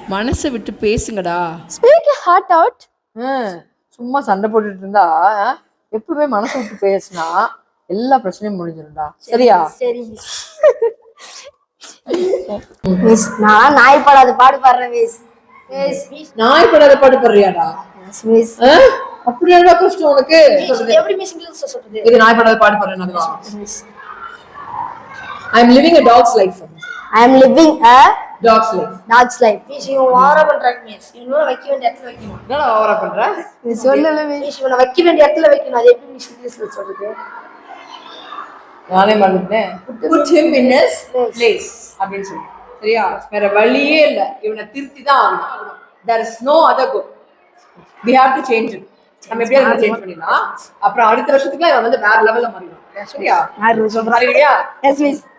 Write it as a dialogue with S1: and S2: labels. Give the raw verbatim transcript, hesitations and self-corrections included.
S1: மனசை விட்டு பேசுங்கடா.
S2: Speak your heart out.
S3: சும்மா சண்டை போட்டுட்டு இருந்தா எப்பவுமே மனசு விட்டு பேசினா எல்லா பிரச்சனையும் முடிஞ்சிரும்டா. சரியா?
S2: சரி மிஸ். நான் நாய் படாத பாடு பாடுறேன் மிஸ். மிஸ்
S3: நாய் படாத பாடு பாடுறியாடா?
S2: மிஸ்
S3: அப்படியாடா கஷ்டம் உனக்கு?
S2: எப்படி மிஸ் இங்கிலீஷ்ல சொல்றது?
S3: இது நாய் படாத பாடு பாடுறேன்னா I am living a dog's life.
S2: I am living a
S3: dog's life.
S2: dog's life. Miss இவ வார பண்றாங்க மிஸ். இவன வைக்க வேண்டிய இடத்துல வைக்கணும்.
S3: என்னடா வார பண்ற?
S2: நீ சொல்லல மிஸ். இவன வைக்க வேண்டிய இடத்துல வைக்கணும். அது எப்படி மிஸ் இங்கிலீஷ்ல சொல்றது?
S3: நானே மறந்துட்டேன். Put him in his place அப்படினு சொல்லு. சரியா? வேற வழியே இல்ல. இவனை திருத்தி தான் ஆகணும். There is no other go. We have to change it. நம்ம எப்படியா இத சேஞ்ச் பண்ணிடலாம். அப்புறம் அடுத்த வருஷத்துக்குலாம் இவன் வந்து வேற லெவல்ல மாறிடும். சரியா? நான் சொல்றேன். சரியா?
S2: Yes miss.